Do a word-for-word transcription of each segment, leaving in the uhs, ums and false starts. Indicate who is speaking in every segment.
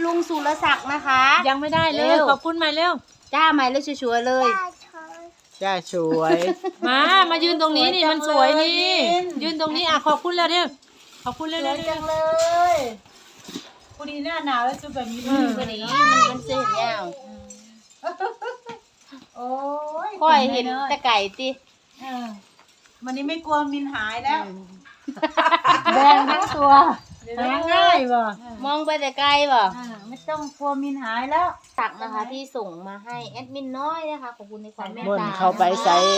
Speaker 1: ลุงสุรศักดิ์นะคะ
Speaker 2: ยังไม่ได้เลยขอบคุณใหม่เร็ว
Speaker 1: จ้าใหม่เลยชัวร์เลย
Speaker 3: จ้าสวย
Speaker 2: มามายืนตรงนี้นี่มันสวยนี่ยืนตรงนี้อ่ะขอบคุณแล้วเร็วขอบคุณเร็วๆจังเลยพอดีหน้าหนาวแล้วชุดแบบนี้เลย
Speaker 1: พอดีมันมันเสียงยาว
Speaker 2: โอ้ย
Speaker 1: ค่อยเห็นตะไก่ติ
Speaker 2: วันนี้ไม่กลัวมินหายแล้ว
Speaker 1: แดงทั้งตัว
Speaker 2: หาง่ายบ่
Speaker 1: มองไปแต่ไกลบ่
Speaker 2: ไม่ต้องกลัวมินหายแล้ว
Speaker 1: ตักนะคะที่ส่งมาให้แอดมินน้อยนะคะขอบคุณในความเมตตา
Speaker 3: เข้าไปใส่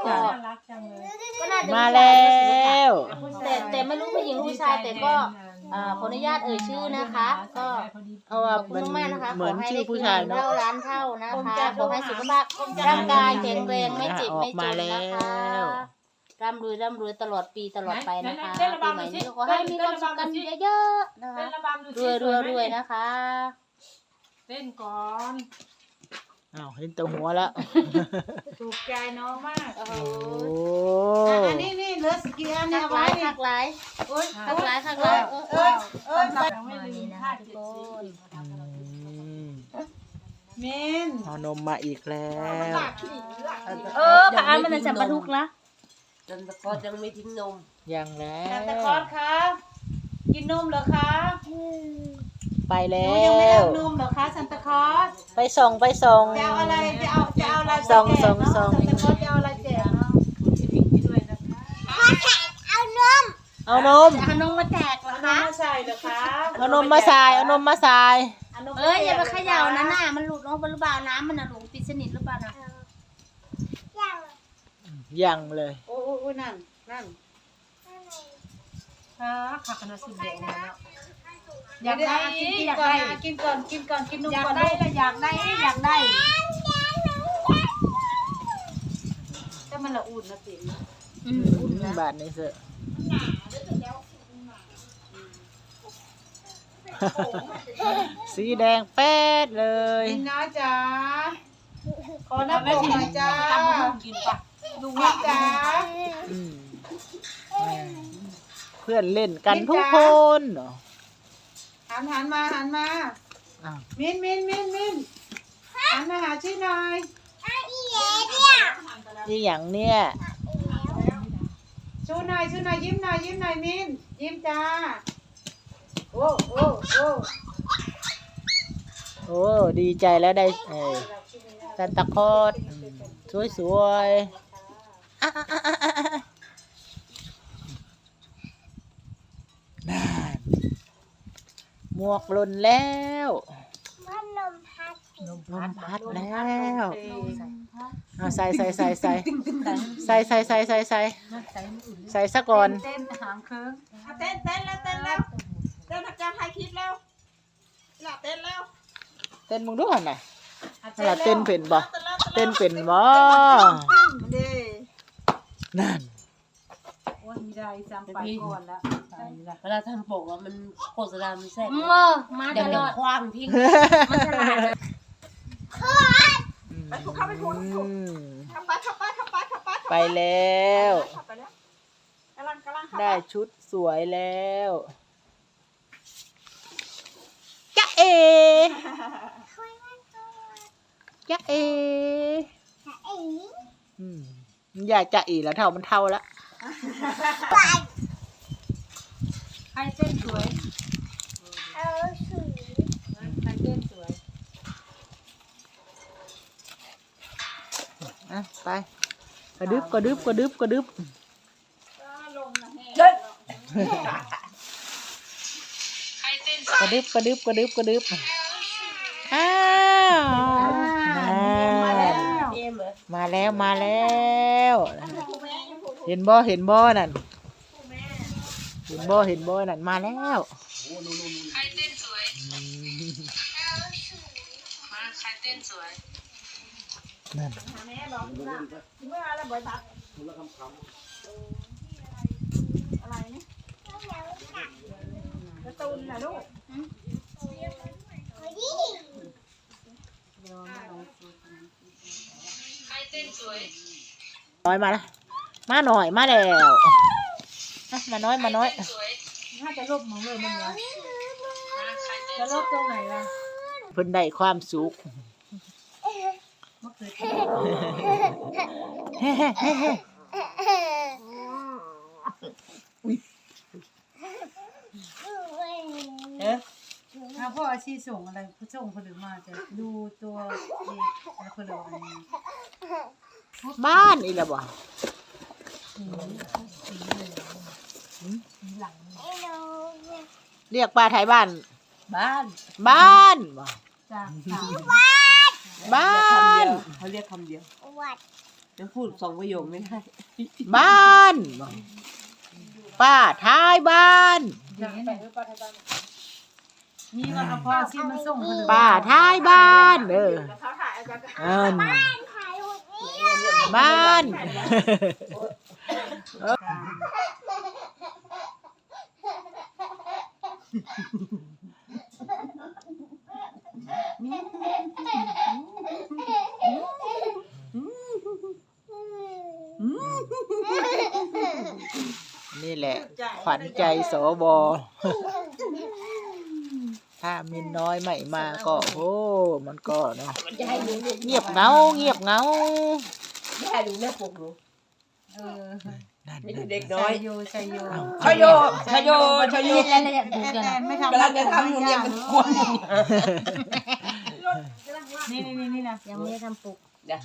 Speaker 3: มาแล้ว
Speaker 1: แต่แต่ไม่รู้ผู้หญิงผู้ชายแต่ก็ขออนุญาตเอ่ยชื่อนะคะก็
Speaker 3: เพราะว่ามันเหมือนชื่อผู้ชายเนาะ
Speaker 1: เท่าร้านเท่านะคะขอให้สุขภาพร่างกายแข็งแรงไม่เจ็บไม่จนนะคะร่ำรวยร่ำรวยตลอดปีตลอดไปนะคะปีใหม่นี้ขอให้มีความสุขกันเยอะๆนะคะรวยรวยรวยนะคะ
Speaker 2: เต้นก่อน
Speaker 3: อ้าวเห็นตัวหัวแล้ว
Speaker 2: ถูกใจน้องมากโอ้โห
Speaker 3: อัน
Speaker 2: นี้นี่เหลือสกีอันนี้ไว้
Speaker 1: หักหลายหักหลายหักหลายเออเออเออไม่ลืมนะคะทุกคน
Speaker 2: เมน
Speaker 3: เอานมมาอีกแล้ว
Speaker 1: เออค่ะอันมันจะบรรทุกละ
Speaker 4: ซันตาคลอสยังไม่ทิ้งนม
Speaker 3: ยังแล้ว
Speaker 2: ซันตาคลอสคะกินนมเหรอคะ
Speaker 3: ไปแล้ว
Speaker 2: ยังไม่ได้นมเหรอคะซันตาคลอส
Speaker 3: ไปส่งไปส่ง
Speaker 2: จะเอาอะไรจะเอาจะเอาอะไร
Speaker 3: ส่งส่งส่ง
Speaker 2: ซันตาคลอสจะเอาอะไรแจกเนาะ
Speaker 1: เอานม
Speaker 3: เอานม
Speaker 1: เอานมมาแจกเหรอคะ
Speaker 2: มาใส่เหรอคะ
Speaker 3: เอานมมาใส่เอานมมาใส่
Speaker 1: เอ้ยอย่าไปเขย่านะน่ะมันหลุดลงไปหรือเปล่าน้ำมันน่ะหลงปิดสนิทหรือเปล่านะ
Speaker 3: ยังเลย
Speaker 2: โอ้โอ้นั่นนั่นค่ะค่ะคณะสุดยอดแล้วอยากได้กินอยากได้กินก่อนกินก่อนกินนมก่อนได้แล้วอยากได้อยากได้แต่มันละอุ่นนะติ๋ม
Speaker 3: อุ่นนะบาทนี้เสอะสีแดงแป๊ดเลย
Speaker 2: นี่นะจ๊ะขอน้ำปกหน่อยจ้ากินปะดูว่าจ้า
Speaker 3: เพื่อนเล่นกันทุกคน
Speaker 2: หันหันมาหันมามินมินมินมินหันมาหาชื่อหน่อย
Speaker 3: นี่อย่างเนี้ย
Speaker 2: ชูหน่อยชูหน่อยยิ้มหน่อยยิ้มหน่อยมินยิ้มจ้าโอ้โอ้โอ้
Speaker 3: โอ้ดีใจแล้วได้เออซันตาคลอสสวยสวยนั่นหมวกหล่นแล้วนมพัดนมพัดแล้วเอาใส่ใส่ใส่ใส่ใส่ใส่ใส่ใส่ใส่ใส่ซะก่อน
Speaker 2: เต้นหางเคิร์งเต้นเต้นแล้วเต้นแล้วเต้นทักการถ่ายคลิปแล้วหลับเต้นแล้ว
Speaker 3: เต้นมึงดูหันน่ะหลับเต้นเป็นบ่เต้นเป็นบ่นั่น
Speaker 2: วันนี้ได้จำไปก่อนแล้ว
Speaker 4: เวลาทำปกอ่ะมันโฆษณามันแซ่บ
Speaker 1: เมื่อมา
Speaker 4: เดี๋ยวเดี๋ยวคว้างทิ้ง
Speaker 1: มันฉลาด
Speaker 2: ไปถูกเข้าไปถูกขับไปขับไปขับไปขับไป
Speaker 3: ไปแล้วได้ชุดสวยแล้วจ๊ะเอจ๊ะเออยากจะอีแล้วเท่ามันเท่าแล้ว
Speaker 2: ใครเต้นสวยเออสวยใครเต้นสวย
Speaker 3: อ่ะไปกระดึบกระดึบกระดึบกระดึบกระดึบกระดึบกระดึบกระดึบอ้าวมาแล้วมาแล้วเห็นบ่เห็นบ่นั่นเห็นบ่เห็นบ่นั่นมาแล้ว
Speaker 4: ใครเต้นสวยมาใครเต้นสวย
Speaker 3: นั่น
Speaker 2: อะไรนี่กระตุ้นนะลูก
Speaker 4: ใครเต้นสวย
Speaker 3: น้อยมาละมาหน่อยมาแล้วมาน้อยมาน้อย
Speaker 2: ถ้าจะลบมองเลยมันเนี่ยจะลบตรงไหนล่ะ
Speaker 3: เพิ่นได้ความสุข
Speaker 2: มะเขือเทศ
Speaker 3: เอ๊ะ
Speaker 2: ถ้าพ่ออาชีพส่งอะไรผู้ส่งผลิตมาจะดูตัวเอกอะไรผลิตอะไร
Speaker 3: บ้านอีละบ่เรียกป้าไทยบ้าน
Speaker 5: บ้าน
Speaker 3: บ้านบ่
Speaker 2: จาก
Speaker 3: บ้าน
Speaker 5: เขาเรียกคำเดียวแล้วพูดสองประโยคไม่ได้
Speaker 3: บ้านบ่ป้าท้ายบ้าน
Speaker 2: นี่ก็เอาพ่ออาชีพมาส่งผลิต
Speaker 3: ป้าท้ายบ้านเออเอิ้นบ้าน นี่แหละ ขวัญใจสบถ้ามินน้อยไม่มาก็โอ้มันก็เนาะเงียบเหงาเงียบเหงา
Speaker 5: ไม่ได้ดูแม่ปกหนู
Speaker 2: เออ
Speaker 3: นั่น
Speaker 5: ไม่
Speaker 3: นั่
Speaker 5: ดู
Speaker 3: น
Speaker 5: เด็ก
Speaker 2: ชั
Speaker 5: น้อย
Speaker 2: ยโยชัยโย
Speaker 5: ชโยชโยชโย
Speaker 2: แต่ไม่ทำ
Speaker 5: กำลังจะทำหนูเนี่ยเป็นคน
Speaker 2: นี่นี่นี่นะ
Speaker 1: ยังไม่ได้ทำปลุก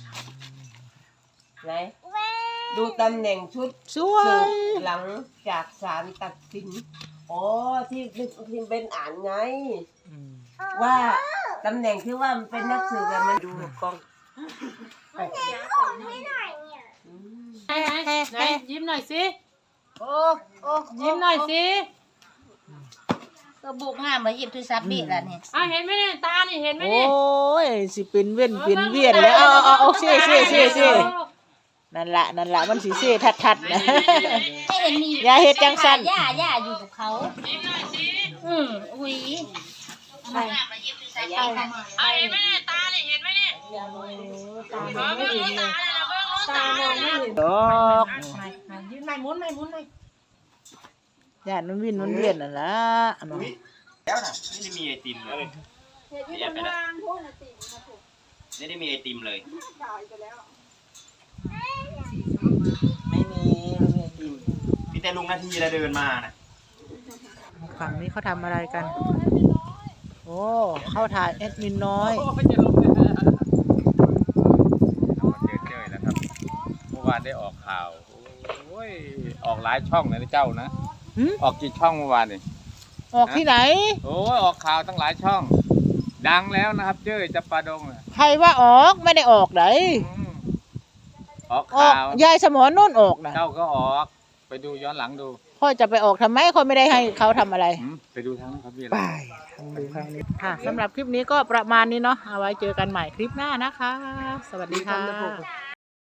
Speaker 5: ไหนดูตำแหน่งชุด
Speaker 3: สว
Speaker 5: สื
Speaker 3: ย
Speaker 5: บหลังจากศาลตัดสินอ๋อที่ที่เป็นอ่านไง
Speaker 3: อืม
Speaker 5: ว่าตำแหน่งที่ว่ามันเป็นนักสืบอะมันดูกล้อง
Speaker 2: ไหนไหนยิ้มหน่อยสิ
Speaker 1: โอ้โอ้
Speaker 2: ยิ้มหน่อยสิ
Speaker 1: ก็บุกงามมาหยิบโทรศัพท์บีแล้วนี่
Speaker 2: อ่ะเห็นไหมเนี่ยตานี่เห็นไหม
Speaker 3: โอ้
Speaker 2: เนี่ย
Speaker 3: ยสิเป็นเวียนเป็นเวียนแล้วเอาเอาเอาเอาเซ่เซ่เซ่เซ่นั่นละนั่นละมันสิเซ่ทัดทัดนะ
Speaker 1: ไม่เห็นมี
Speaker 3: อย่าเฮ็ดจังซั่น
Speaker 1: ย่าย่าอยู่กับเขาอืมอุ้ยไปไปหยิบโทรศัพท์ไปค่ะ
Speaker 2: อ่ะเห็นไหมเนี่ยตานี่เห็นไหมเนี่ย
Speaker 1: ตามองไม่เห็นเลย
Speaker 2: ตามองไม่เห็น
Speaker 3: ดอก
Speaker 2: ไม่ไม่ยืนไม่หมุนไม่หมุนไม่
Speaker 3: ย่านมันวินมันเวียนนั่นละเนาะ
Speaker 6: แล้วนะไม่ได้มีไอติมเลยไม่อยากไปแล้วไม่ได้มีไอติมเลย
Speaker 5: ไม่มีไม่มีกิน
Speaker 6: มีแต่ลุงนาทีแล้วเดินมานะ
Speaker 3: ฝั่งนี้เขาทำอะไรกัน โอ้เข้าถ่ายแอดมินน้อย
Speaker 7: เจอเจอแล้วครับ เมื่อวานได้ออกข่าว โอ้ย ออกหลายช่องเลยนะเจ้านะ
Speaker 3: หืม
Speaker 7: ออกกี่ช่องเมื่อวานนี่
Speaker 3: ออกที่ไหน
Speaker 7: โอ้ย ออกข่าวตั้งหลายช่อง ดังแล้วนะครับ เจ้ยจับปาดงน่ะ
Speaker 3: ใครว่าออกไม่ได้ออกไหน
Speaker 7: อืมออก
Speaker 3: ออก
Speaker 7: ข่าวย
Speaker 3: ายสมอนุ่นออกนะ
Speaker 7: เจ้าก็ออก ไปดูย้อนหลังดู
Speaker 3: พ่อจะไปออกทำไมเขาไม่ได้ให้เขาทำอะไร
Speaker 7: อืมไปดูทั้งนั้นครับพี่
Speaker 3: ไปดูครั้งนี้ค่ะสำหรับคลิปนี้ก็ประมาณนี้เนาะเอาไว้เจอกันใหม่คลิปหน้านะคะ สวัสดีค่ะ